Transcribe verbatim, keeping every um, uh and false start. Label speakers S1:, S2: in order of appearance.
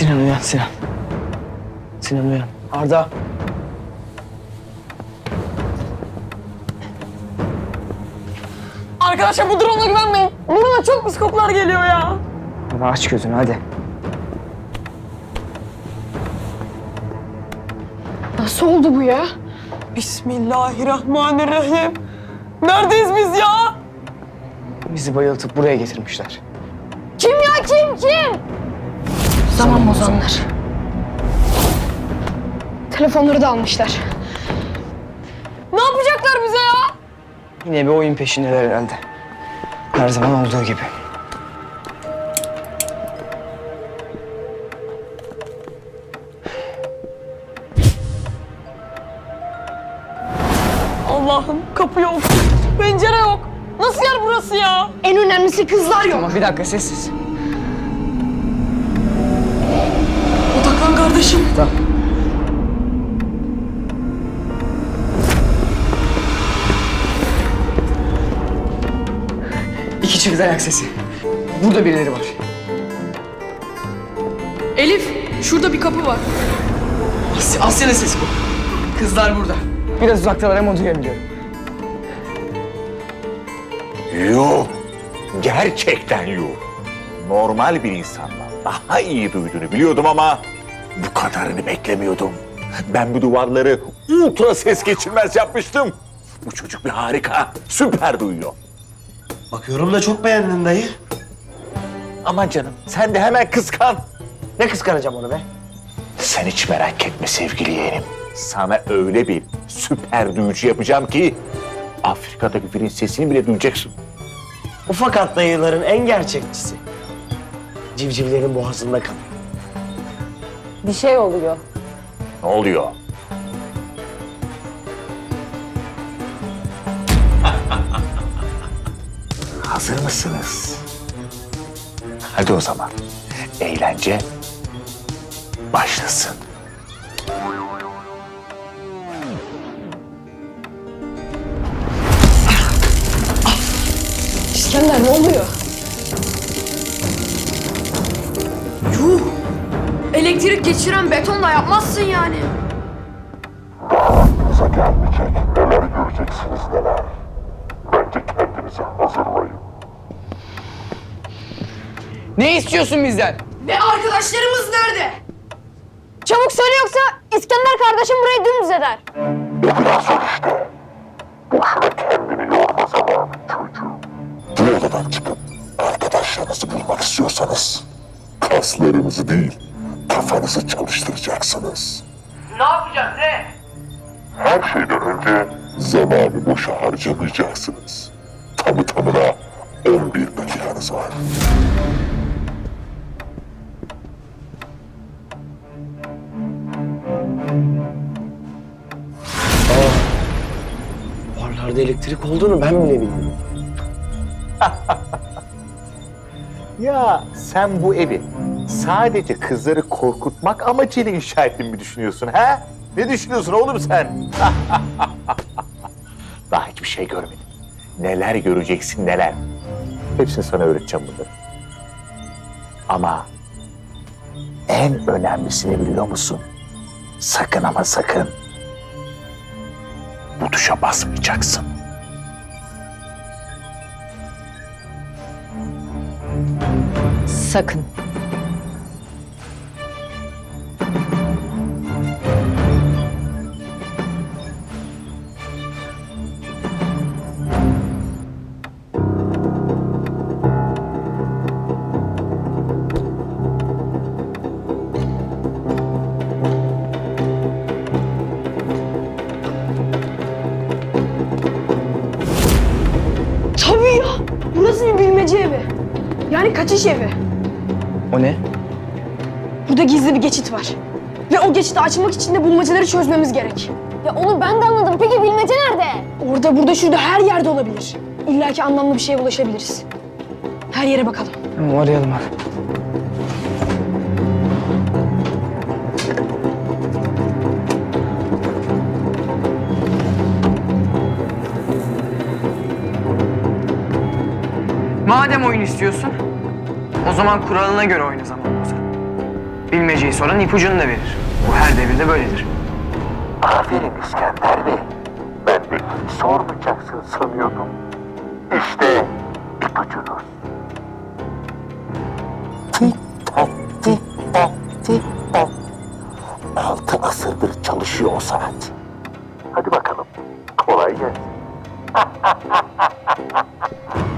S1: Sinan uyan Sinan. Sinan uyan. Arda.
S2: Arkadaşlar bu drone'a güvenmeyin. Burnuma çok pis kokular geliyor ya.
S1: Baba aç gözünü hadi.
S2: Nasıl oldu bu ya? Bismillahirrahmanirrahim. Neredeyiz biz ya?
S1: Bizi bayıltıp buraya getirmişler.
S2: Kim ya kim kim? Zaman bozanlar. Telefonları da almışlar. Ne yapacaklar bize ya?
S1: Yine bir oyun peşindeler herhalde. Her zaman olduğu gibi.
S2: Allah'ım kapı yok, pencere yok. Nasıl yer burası ya? En önemlisi kızlar yok.
S1: Tamam bir dakika sessiz.
S2: Odaklan kardeşim.
S1: Tamam. İki çift ayak sesi. Burada birileri var.
S2: Elif, şurada bir kapı var.
S1: Asya, Asya'nın sesi bu. Kızlar burada. Biraz uzaktalar ama duyabiliyorum.
S3: Yok. Gerçekten yok. Normal bir insandan daha iyi duyduğunu biliyordum ama bu kadarını beklemiyordum. Ben bu duvarları ultra ses geçirmez yapmıştım. Bu çocuk bir harika, süper duyuyor.
S4: Bakıyorum da çok beğendin dayı.
S3: Aman canım, sen de hemen kıskan.
S1: Ne kıskanacağım onu be?
S3: Sen hiç merak etme sevgili yeğenim. Sana öyle bir süper duyucu yapacağım ki Afrika'daki filin sesini bile duyacaksın.
S4: Ufak at dayıların en gerçekçisi. Civcivlerin boğazında kalıyor.
S2: Bir şey oluyor.
S3: Ne oluyor? Hazır mısınız? Hadi o zaman. Eğlence başlasın.
S2: İskender ne oluyor? Yuh! Elektrik geçiren betonla yapmazsın yani.
S5: Bize gelmeyecek, neler göreceksiniz neler. Bence kendinizi hazırlayın.
S1: Ne istiyorsun bizden?
S2: Ve arkadaşlarımız nerede? Çabuk söyle yoksa İskender kardeşim burayı dümdüz eder.
S5: O biraz zor işte. Boşuna kendini yorma zamanı çocuğum. Bu odadan çıkıp arkadaşlarınızı bulmak istiyorsanız kaslarınızı değil, kafanızı çalıştıracaksınız.
S6: Ne yapacağız ne?
S5: Her şeyden önce zamanı boşa harcamayacaksınız. Tamı tamına on bir dakikanız var.
S4: Duvarlarda elektrik olduğunu ben bile bilmiyorum.
S3: Ya sen bu evi sadece kızları korkutmak amacıyla inşa ettiğini mi düşünüyorsun ha? Ne düşünüyorsun oğlum sen? Daha hiçbir şey görmedim. Neler göreceksin neler. Hepsini sana öğreteceğim bunları. Ama en önemlisini biliyor musun? Sakın ama sakın bu tuşa basmayacaksın.
S2: Sakın. Tabii ya. Burası bir bilmece evi. Yani kaçış evi.
S1: O ne?
S2: Burada gizli bir geçit var. Ve o geçiti açmak için de bulmacaları çözmemiz gerek. Ya onu ben de anladım. Peki bilmece nerede? Orada, burada, şurada her yerde olabilir. İlla ki anlamlı bir şeye ulaşabiliriz. Her yere bakalım.
S1: Tamam arayalım hadi. Madem oyun istiyorsun, o zaman kuralına göre oyna zaman Ozan. Bilmeceyi soran ipucunu da verir. Bu her devirde böyledir.
S5: Aferin İskender Bey. Ben de hiç sormayacaksın sanıyordum. İşte ipucunuz. Tik tak, tik tak, tik tak. Altı asırdır çalışıyor o saat. Hadi bakalım. Kolay gelsin.